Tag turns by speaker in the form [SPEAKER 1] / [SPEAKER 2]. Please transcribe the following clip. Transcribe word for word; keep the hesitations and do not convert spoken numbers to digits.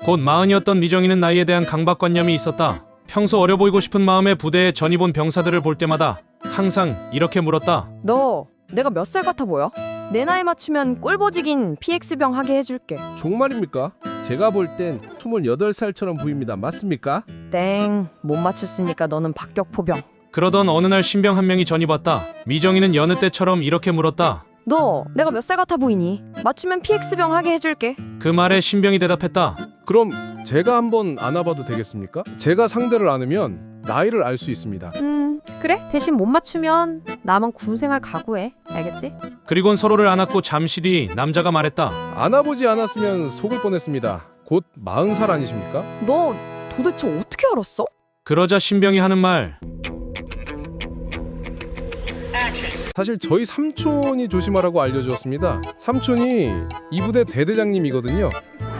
[SPEAKER 1] 곧 마흔이었던 미정이는 나이에 대한 강박관념이 있었다. 평소 어려 보이고 싶은 마음에 부대에 전입 온 병사들을 볼 때마다 항상 이렇게 물었다.
[SPEAKER 2] 너 내가 몇 살 같아 보여? 내 나이 맞추면 꼴보직인 피엑스병 하게 해줄게.
[SPEAKER 3] 정말입니까? 제가 볼 땐 스물여덟 살처럼 보입니다. 맞습니까?
[SPEAKER 2] 땡, 못 맞췄으니까 너는 박격포병.
[SPEAKER 1] 그러던 어느 날 신병 한 명이 전입 왔다. 미정이는 여느 때처럼 이렇게 물었다.
[SPEAKER 2] 너 내가 몇 살 같아 보이니? 맞추면 피엑스병 하게 해줄게.
[SPEAKER 1] 그 말에 신병이 대답했다.
[SPEAKER 3] 그럼 제가 한번 안아봐도 되겠습니까? 제가 상대를 안으면 나이를 알 수 있습니다.
[SPEAKER 4] 음, 그래? 대신 못 맞추면 나만 군생활 각오해. 알겠지?
[SPEAKER 1] 그리곤 서로를 안았고 잠시 뒤 남자가 말했다.
[SPEAKER 3] 안아보지 않았으면 속을 뻔했습니다. 곧 마흔 살 아니십니까?
[SPEAKER 2] 너 도대체 어떻게 알았어?
[SPEAKER 1] 그러자 신병이 하는 말.
[SPEAKER 3] 사실 저희 삼촌이 조심하라고 알려주었습니다. 삼촌이 이 부대 대대장님이거든요.